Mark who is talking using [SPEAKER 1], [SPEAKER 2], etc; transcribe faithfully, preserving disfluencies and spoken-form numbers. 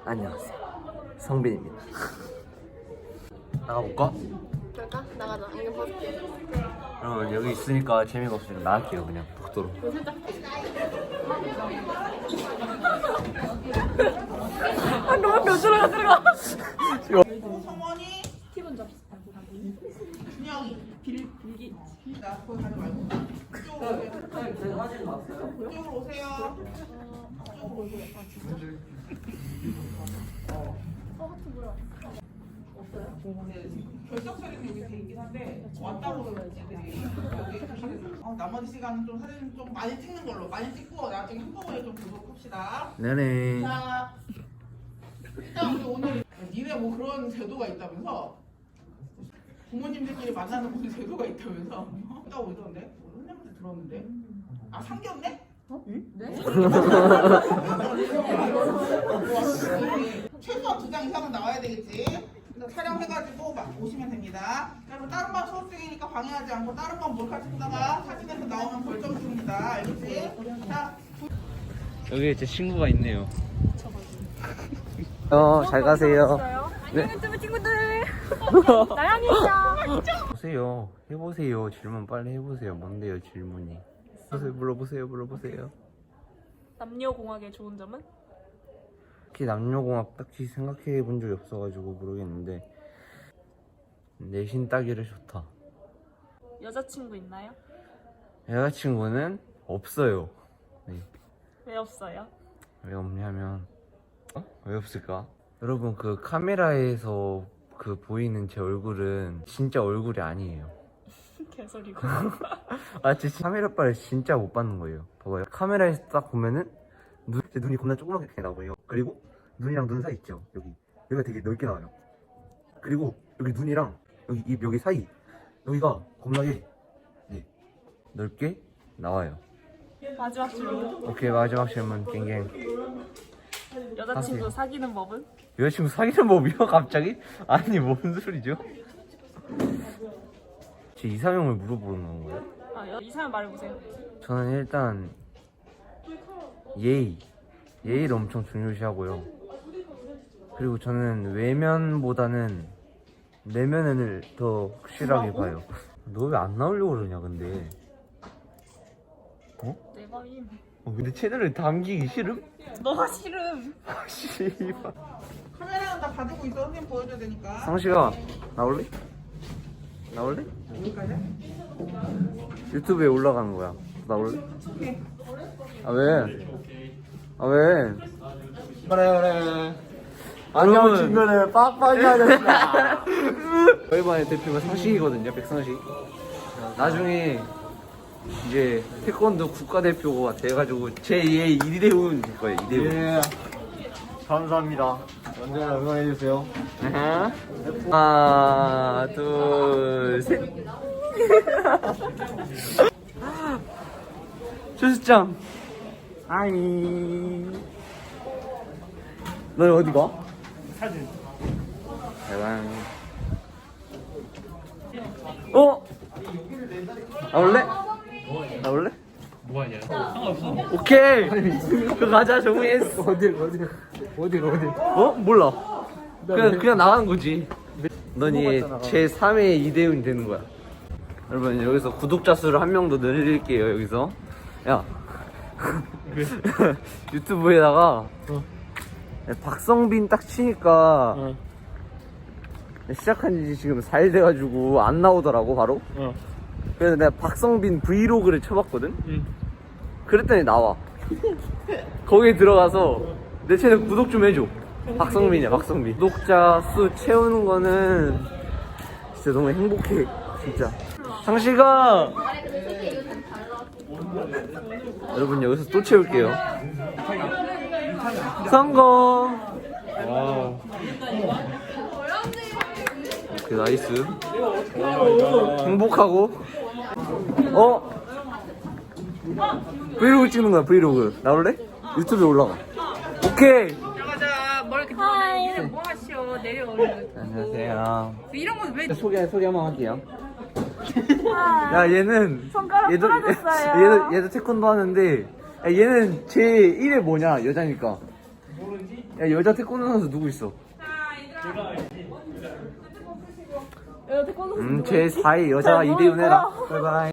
[SPEAKER 1] 안녕하세요, 성빈입니다. 나가볼까?
[SPEAKER 2] 그럴까? 나가자. 이거 벗을게.
[SPEAKER 1] 여러분 여기 있으니까 재미가 없으니까 나갈게요. 그냥 복도로.
[SPEAKER 2] 이거 살짝. 아 너무 몇 들어가 들어가.
[SPEAKER 3] 성원이
[SPEAKER 2] 티본 잡.
[SPEAKER 3] 준영이
[SPEAKER 2] 빌 빌기.
[SPEAKER 3] 나 거기 가지 말고 이쪽으로 오세요. 이쪽으로 오세요. 결석처리는 여기 돼 있긴 한데 왔다고 애들이 여기 어, 나머지 시간은 좀 사진 좀 많이 찍는 걸로 많이 찍고 나중에 한꺼번에 좀 보도록 합시다.
[SPEAKER 1] 네네.
[SPEAKER 3] 자, 일단 우리 오늘 니네 뭐 그런 제도가 있다면서 부모님들끼리 만나는 무슨 제도가 있다면서 있다고 그러던데? 선생님한테 들었는데? 아 상견례?
[SPEAKER 2] 어? 응? 네?
[SPEAKER 3] 최소한 두 장 이상은 나와야 되겠지. 그래서 촬영해가지고 막 오시면 됩니다. 여러분 다른 반 수업 중이니까 방해하지 않고 다른 반 몰카 찍다가 사진에서 나오면 벌점 줍니다. 알겠지? 자.
[SPEAKER 1] 여기 제 친구가 있네요. 어, 잘 가세요.
[SPEAKER 2] 안녕 유튜브 친구들. 나연이야.
[SPEAKER 1] 보세요. 해보세요. 질문 빨리 해보세요. 뭔데요 질문이? 보세요. 물어보세요. 물어보세요.
[SPEAKER 2] 남녀공학의 좋은 점은?
[SPEAKER 1] 특히 남녀공학 딱히 생각해 본 적이 없어가지고 모르겠는데 내신 따기를 좋다.
[SPEAKER 2] 여자친구 있나요?
[SPEAKER 1] 여자친구는 없어요. 네.
[SPEAKER 2] 왜 없어요?
[SPEAKER 1] 왜 없냐면 어? 왜 없을까? 여러분 그 카메라에서 그 보이는 제 얼굴은 진짜 얼굴이 아니에요.
[SPEAKER 2] 개소리고.
[SPEAKER 1] 아 진짜 카메라빨을 진짜 못 받는 거예요. 봐봐요. 카메라에서 딱 보면은 눈, 제 눈이 겁나 조그맣게 나와요. 그리고 눈이랑 눈 사이 있죠. 여기 여기가 되게 넓게 나와요. 그리고 여기 눈이랑 여기 입 여기 사이 여기가 겁나게 네, 넓게 나와요.
[SPEAKER 2] 마지막 질문.
[SPEAKER 1] 오케이 마지막 질문 갱갱.
[SPEAKER 2] 여자친구
[SPEAKER 1] 하세요.
[SPEAKER 2] 사귀는 법은?
[SPEAKER 1] 여자친구 사귀는 법이요? 갑자기? 아니 뭔 소리죠? 제 이상형을 물어보는 건가요?
[SPEAKER 2] 아 여, 이사람 말해보세요.
[SPEAKER 1] 저는 일단 예의 예의를 엄청 중요시하고요. 그리고 저는 외면보다는 내면을 더 확실하게 봐요. 너 왜 안 나오려고 그러냐 근데. 어?
[SPEAKER 2] 내 맘임.
[SPEAKER 1] 어, 근데 채널을 담기기 싫음?
[SPEAKER 2] 너가 싫음.
[SPEAKER 1] 아 씨발.
[SPEAKER 3] 카메라는 다 가지고 있어. 선생님 보여줘야 되니까.
[SPEAKER 1] 상식아 나올래? 나올래?
[SPEAKER 3] 여기까지?
[SPEAKER 1] 유튜브에 올라가는 거야. 나올래?
[SPEAKER 3] 오케이.
[SPEAKER 1] 아 왜? 아 왜?
[SPEAKER 4] 그래 그래 안녕 친구들 빡빡이 하겠다.
[SPEAKER 1] 저희 반의 대표가 상식이거든요. 백상식. 나중에 이제 태권도 국가대표가 돼가지고 제이의 이대훈 될 거예요. 이대훈.
[SPEAKER 4] 예 감사합니다. 언제나 응원해주세요.
[SPEAKER 1] 하나 둘 셋. 조수장. 아이. 너 어디 가? 사진. 대박. 어? 나올래? 나올래? 뭐하냐? 상관없어. 오케이. 그 가자 정우했어.
[SPEAKER 4] 어딜 어딜 어딜 어딜
[SPEAKER 1] 어? 몰라. 그냥 그냥 나가는 거지. 너니 제삼 회 이대훈이 되는 거야. 여러분 여기서 구독자 수를 한 명 더 늘릴게요. 여기서. 야. 유튜브에다가
[SPEAKER 4] 어.
[SPEAKER 1] 박성빈 딱 치니까
[SPEAKER 4] 어.
[SPEAKER 1] 시작한 지 지금 사 일 돼가지고 안 나오더라고 바로.
[SPEAKER 4] 어.
[SPEAKER 1] 그래서 내가 박성빈 브이로그를 쳐봤거든.
[SPEAKER 4] 응.
[SPEAKER 1] 그랬더니 나와. 거기에 들어가서 내 채널 구독 좀 해줘. 박성빈이야 박성빈. 구독자 수 채우는 거는 진짜 너무 행복해 진짜. 상식아 여러분 여기서 또 채울게요. 성공.
[SPEAKER 4] 와.
[SPEAKER 1] 오케이 나이스. 행복하고. 어? 브이로그 찍는 거야 브이로그. 나올래? 유튜브에 올라가. 오케이.
[SPEAKER 3] 들어가자. 뭘 이렇게
[SPEAKER 2] 하이.
[SPEAKER 3] 뭐 하시오. 내려오는 거.
[SPEAKER 1] 안녕하세요.
[SPEAKER 3] 이런 건 왜?
[SPEAKER 1] 소개 소개 한번 할게요. 야 얘는
[SPEAKER 2] 손가락
[SPEAKER 1] 얘도
[SPEAKER 2] 부러졌어요.
[SPEAKER 1] 얘도 얘도 태권도 하는데 야, 얘는 제 일 회 뭐냐 여자니까.
[SPEAKER 3] 모르지?
[SPEAKER 1] 야 여자 태권도 선수 누구 있어?
[SPEAKER 2] 야, 태권도
[SPEAKER 1] 음, 제 사 위 여자 이대윤 해라. 바이바이.